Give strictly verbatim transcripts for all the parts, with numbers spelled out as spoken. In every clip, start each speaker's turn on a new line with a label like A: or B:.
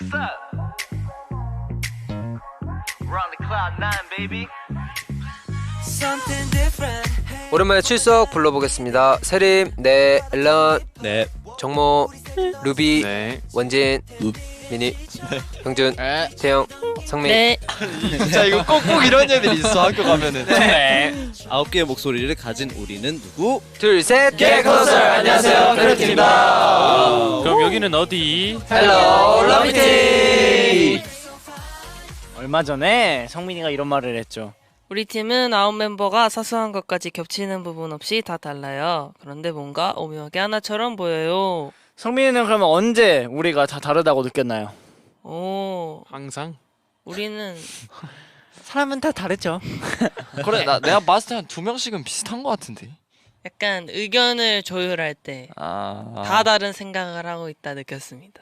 A: 오랜만에 출석 불러보겠습니다. 세림, 네, 앨런,
B: 네,
A: 정모, 루비,
C: 네,
A: 원진,
B: 루.
A: 미니, 네. 형준,
C: 네.
A: 태영, 성민.
D: 네.
C: 진짜 이거 꼭꼭 이런 애들이 있어 학교 가면은.
B: 네. 아홉 개의 목소리를 가진 우리는 누구?
A: 둘, 셋,
D: 개콘설. 안녕하세요,
A: 페르팀입니다.
E: 그럼 여기는 어디?
A: 헬로, 러비티.
F: 얼마 전에 성민이가 이런 말을 했죠.
D: 우리 팀은 아홉 멤버가 사소한 것까지 겹치는 부분 없이 다 달라요. 그런데 뭔가 오묘하게 하나처럼 보여요.
F: 성민이는 그러면 언제 우리가 다 다르다고 느꼈나요?
D: 오,
E: 항상?
D: 우리는
F: 사람은 다 다르죠.
C: 그래 나 내가 봤을 때 한 두 명씩은 비슷한 것 같은데.
D: 약간 의견을 조율할 때 다
C: 아.
D: 다른 생각을 하고 있다 느꼈습니다.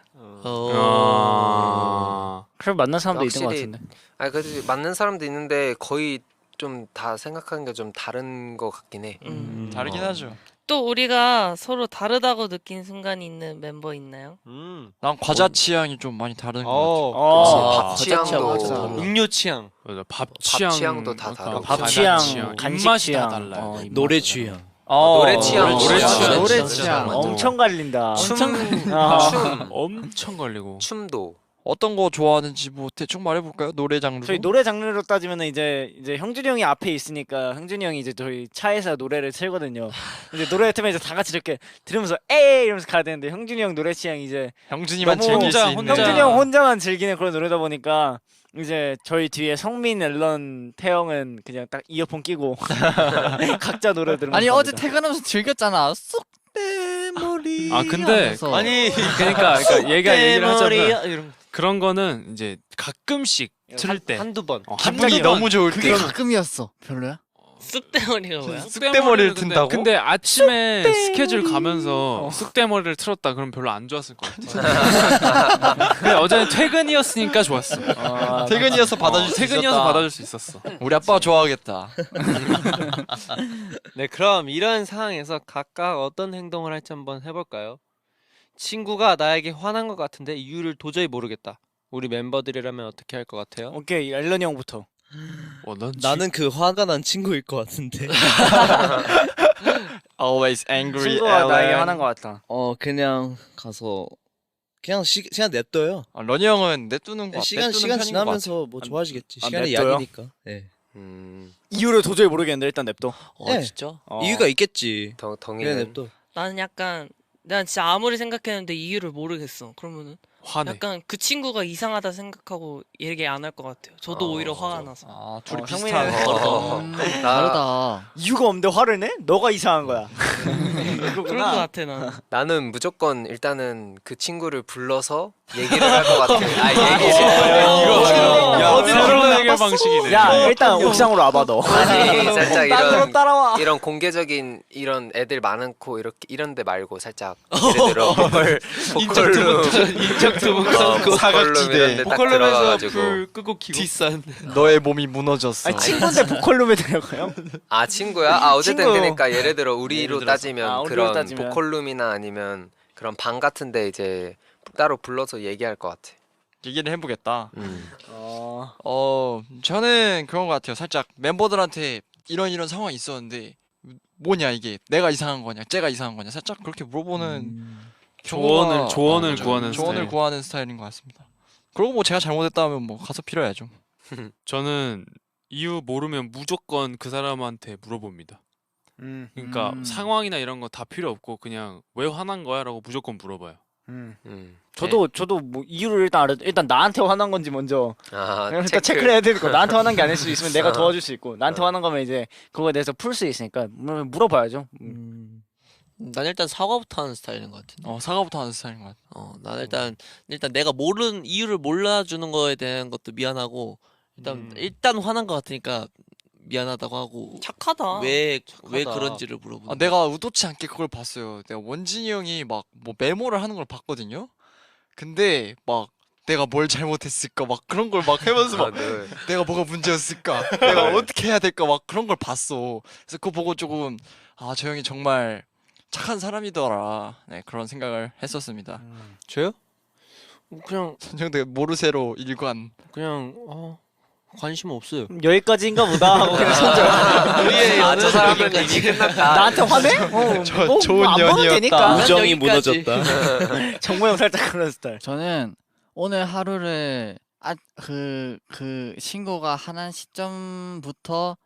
E: 아...
F: 그럼 만난 사람도 있는 것
A: 확실히-
F: 같은데.
A: 아, 그래도 맞는 사람도 있는데 거의 좀 다 생각하는 게 좀 다른 것 같긴 해.
D: 음.
C: 다르긴 하죠.
D: 또 우리가 서로 다르다고 느낀 순간이 있는 member 있나요?
C: 난 과자 취향이 좀 많이 다른 것 같아.
F: 어,
A: 밥 취향도
F: 맞아.
G: 음료 취향.
E: 맞아, 밥
A: 밥
E: 취향,
A: 취향도 다
E: 그러니까
A: 다르고.
F: 밥
E: 과자
F: 취향, 간식
E: 입맛이
F: 취향,
E: 다 달라요.
F: 어, 입맛.
B: 노래 취향.
C: 어,
A: 노래 취향,
E: 노래 취향.
F: 노래
E: 진짜
F: 취향
E: 맞아.
F: 엄청 갈린다.
A: 춤,
F: 아.
A: 춤,
E: 엄청 걸리고.
A: 춤도.
C: 어떤 거 좋아하는지 뭐 대충 말해볼까요? 노래 장르.
F: 저희 노래 장르로 따지면은 이제 이제 형준이 형이 앞에 있으니까 형준이 형이 이제 저희 차에서 노래를 틀거든요. 이제 노래 틀면 이제 다 같이 이렇게 들으면서 에이 이러면서 가야 되는데 형준이 형 노래 취향 이제
C: 형준이만
F: 너무
C: 즐길 수
E: 혼자,
C: 있는.
E: 혼자.
F: 형준이 형 혼자만 즐기는 그런 노래다 보니까 이제 저희 뒤에 성민, 앨런, 태영은 그냥 딱 이어폰 끼고 각자 노래 들으면서
G: 아니 어제
F: 갑니다.
G: 퇴근하면서 즐겼잖아. 쑥대 머리.
E: 아, 근데
G: 아니
E: 그러니까, 그러니까 얘가 얘기를 하자면
G: 이런
E: 그런 거는 이제 가끔씩 틀을 때
G: 한두 번.
E: 어,
C: 기분이
E: 한
C: 너무 좋을
G: 그게
C: 때.
G: 가끔이었어. 별로야?
D: 쑥대머리가 뭐야?
C: 쑥대머리를
E: 근데-
C: 튼다고?
E: 근데 아침에 스케줄 가면서
F: 어.
E: 쑥대머리를 틀었다 그럼 별로 안 좋았을 것 같아. 근데 어제는 퇴근이었으니까 좋았어.
F: 아,
C: 퇴근이어서 받아줄
E: 어,
C: 수
E: 퇴근이어서
C: 있었다.
E: 받아줄 수 있었어.
C: 우리 아빠 좋아하겠다.
G: 네, 그럼 이런 상황에서 각각 어떤 행동을 할지 한번 해볼까요? 친구가 나에게 화난 것 같은데 이유를 도저히 모르겠다. 우리 멤버들이라면 어떻게 할 것 같아요?
F: 오케이 앨런 형부터.
E: 어, 넌
B: 나는 그 화가 난 친구일 것 같은데.
C: Always angry.
F: 친구가 나에게
C: Ellen.
F: 화난 것 같다.
B: 어 그냥 가서 그냥 시, 그냥 냅둬요.
C: 어, 러니 형은 내두는 거.
B: 시간
C: 내두는
B: 시간
C: 편인 것 같아.
B: 지나면서 뭐 좋아지겠지.
F: 아,
B: 시간이
F: 냅둬요?
B: 약이니까. 네.
A: 음,
F: 이유를 도저히 모르겠는데 일단 냅둬.
G: 어,
B: 네.
G: 진짜?
F: 어.
B: 이유가 있겠지.
A: 덩,
B: 그래
A: 덩이는.
B: 냅둬.
D: 나는 약간 난 진짜 아무리 생각했는데 이유를 모르겠어. 그러면은
E: 화내.
D: 약간 그 친구가 이상하다 생각하고 얘기 안 할 것 같아요. 저도
A: 어,
D: 오히려 화가 나서.
C: 아 둘이
F: 어,
C: 비슷한.
F: 형민이는-
A: 어,
G: 음,
A: 나-
G: 다르다.
F: 이유가 없는데 화를 내? 너가 이상한 거야.
D: 그럴 것
F: 그렇구나.
D: 같아 나는.
A: 나는 무조건 일단은 그 친구를 불러서 얘기를 할 것 같아. 아, 얘기를.
E: 이거
F: 야,
E: 야, 새로운 해결 방식이네.
F: 야 일단 옥상으로 와봐 너.
A: 아니, 살짝
F: 땅으로
A: 이런
F: 따라와.
A: 이런 공개적인 이런 애들 많고 이렇게 이런 데 말고 살짝 예를 들어 보컬 보컬룸
G: 인적 두분
A: 어, 보컬룸
C: 사각지대.
A: 이런 데딱
G: 보컬룸에서
A: 들어가가지고
G: 불 끄고 키고. 뒷산.
C: 너의 몸이 무너졌어.
F: 아니 친구인데 보컬룸에 들어가요?
A: 아 친구야? 아 어쨌든
F: 친구.
A: 그러니까 예를 들어 우리로
F: 예를 들어서.
A: 따지면
F: 아, 우리로
A: 그런
F: 따지면.
A: 보컬룸이나 아니면 그런 방 같은데 이제 따로 불러서 얘기할 것 같아.
C: 얘기를 해보겠다.
A: 음.
F: 어.
C: 어 저는 그런 것 같아요. 살짝 멤버들한테 이런 이런 상황이 있었는데 뭐냐 이게 내가 이상한 거냐, 쟤가 이상한 거냐, 살짝 그렇게 물어보는
E: 조언을
C: 경우가-
E: 조언을
C: 어,
E: 구하는
C: 조언을
E: 스타일.
C: 구하는 스타일인 것 같습니다. 그리고 뭐 제가 잘못했다면 뭐 가서 빌어야죠.
E: 저는 이유 모르면 무조건 그 사람한테 물어봅니다.
F: 음.
E: 그러니까
G: 음.
E: 상황이나 이런 거 다 필요 없고 그냥 왜 화난 거야라고 무조건 물어봐요.
F: 음.
A: 음.
F: 저도 저도 뭐 이유를 일단 알아. 일단 나한테 화난 건지 먼저
A: 아
F: 일단
A: 체크.
F: 체크를 해야 되고 나한테 화난 게 아닐 수 있으면 내가
A: 어.
F: 도와줄 수 있고 나한테
A: 어.
F: 화난 거면 이제 그거에 대해서 풀 수 있으니까 물- 물어봐야죠. 음.
G: 음. 난 일단 사과부터 하는 스타일인 것 같은데.
C: 어 사과부터 하는 스타일인 것 같아.
G: 어, 난 일단 일단 내가 모르는 이유를 몰라주는 거에 대한 것도 미안하고 일단
C: 음.
G: 일단 화난 것 같으니까 미안하다고 하고
D: 착하다.
G: 왜 왜
C: 착하다.
G: 그런지를 물어보는.
C: 아, 내가 의도치 않게 그걸 봤어요. 내가 원진이 형이 막 뭐 메모를 하는 걸 봤거든요. 근데 막 내가 뭘 잘못했을까 막 그런 걸 막 하면서 막
A: 아, 네.
C: 내가 뭐가 문제였을까 내가 어떻게 해야 될까 막 그런 걸 봤어. 그래서 그거 보고 조금 아 저 형이 정말 착한 사람이더라. 네 그런 생각을 했었습니다.
G: 저요? 그냥
C: 선정대 모르세로 일관.
G: 그냥 어 관심 없어요.
F: 여기까지인가 보다 하고 그냥 손절.
G: 우리의
A: 아, 저 사람은 이미 끝났다.
F: 나한테 화내? 어,
C: 저
F: 뭐,
C: 좋은
F: 뭐안 보면
C: 년이었다.
F: 되니까.
B: 우정이
G: 여기까지.
B: 무너졌다.
F: 정모 형 살짝 그런 스타일.
H: 저는 오늘 하루를 아, 그, 그 친구가 하는 시점부터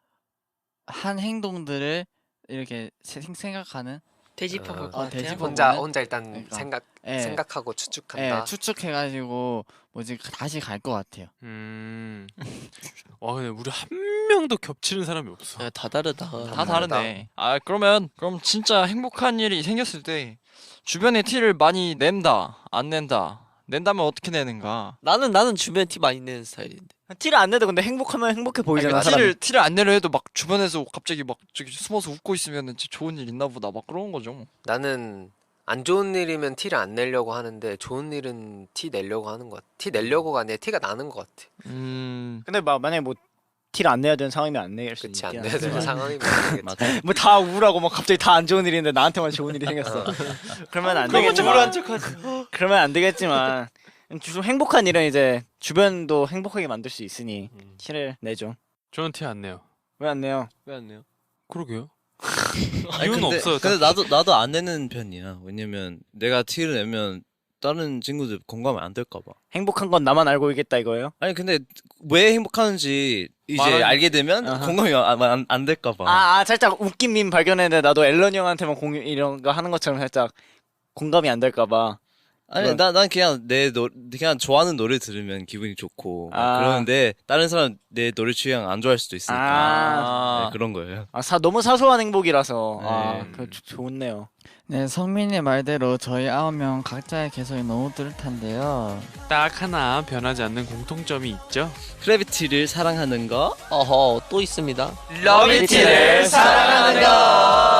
H: 한 행동들을 이렇게 세- 생각하는
D: 되짚어 볼
A: 어,
D: 것
H: 어,
D: 같아요.
H: 되짚어
A: 혼자
H: 보는?
A: 혼자 일단
H: 그러니까.
A: 생각
H: 예,
A: 생각하고
H: 예,
A: 추측한다.
H: 추측해가지고 뭐지 다시 갈 것 같아요.
E: 음. 와 근데 우리 한 명도 겹치는 사람이 없어.
G: 야, 다 다르다.
C: 다 다르네. 아 그러면 그럼 진짜 행복한 일이 생겼을 때 주변에 티를 많이 낸다, 안 낸다. 낸다면 어떻게 내는가?
G: 나는 나는 주변 티 많이 내는 스타일인데.
F: 티를 안 내도 근데 행복하면 행복해
C: 아니,
F: 보이잖아.
C: 그러니까
F: 사람이.
C: 티를 티를 안 내려 해도 막 주변에서 갑자기 막 저기 숨어서 웃고 있으면 진짜 좋은 일 있나 보다 막 그런 거죠.
A: 나는 안 좋은 일이면 티를 안 내려고 하는데 좋은 일은 티 내려고 하는 것 같아. 티 내려고가 아니라 티가 나는 것 같아.
C: 음.
F: 근데 막 만약에 뭐 티를 안 내야 되는 상황이면 안 내일 수
A: 그치 안
F: 있긴
A: 내야 되는
F: 하지만
A: 상황이면 안 되겠지.
B: 맞아.
F: 뭐 다 우울하고 막 갑자기 다 안 좋은 일인데 나한테만 좋은 일이 생겼어. 그러면 안 되겠지만. 그러면 안 되겠지만 좀 행복한 일은 이제 주변도 행복하게 만들 수 있으니
E: 음.
F: 티를 내죠.
E: 저는 티 안 내요.
F: 왜 안 내요?
G: 왜 안 내요?
E: 그러게요.
B: 아니,
E: 이유는
B: 근데,
E: 없어요.
B: 근데 나도 나도 안 내는 편이야. 왜냐면 내가 티를 내면 다른 친구들 공감이 안 될까 봐.
F: 행복한 건 나만 알고 있겠다 이거예요?
B: 아니 근데 왜 행복하는지 이제
C: 말하는-
B: 알게 되면
F: 아하.
B: 공감이 안, 안, 안 될까 봐.
F: 아, 아 살짝 웃긴 밈 발견했는데 나도 앨런 형한테만 공유 이런 거 하는 것처럼 살짝 공감이 안 될까 봐.
B: 아니
F: 그건-
B: 나 난 그냥 내 노, 그냥 좋아하는 노래 들으면 기분이 좋고 막
F: 아.
B: 그러는데 다른 사람 내 노래 취향 안 좋아할 수도 있으니까
F: 아,
B: 네, 그런 거예요.
F: 아 사, 너무 사소한 행복이라서 아,
B: 네.
F: 그 좋- 좋네요.
H: 네, 성민의 말대로 저희 아홉 명 각자의 개성이 너무 뚜렷한데요.
E: 딱 하나 변하지 않는 공통점이 있죠.
B: 크래비티를 사랑하는 거.
G: 어허 또 있습니다.
A: 러비티를 사랑하는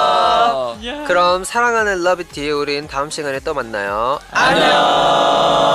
A: 거.
E: 야.
A: 그럼 사랑하는 러비티 우린 다음 시간에 또 만나요.
F: 안녕.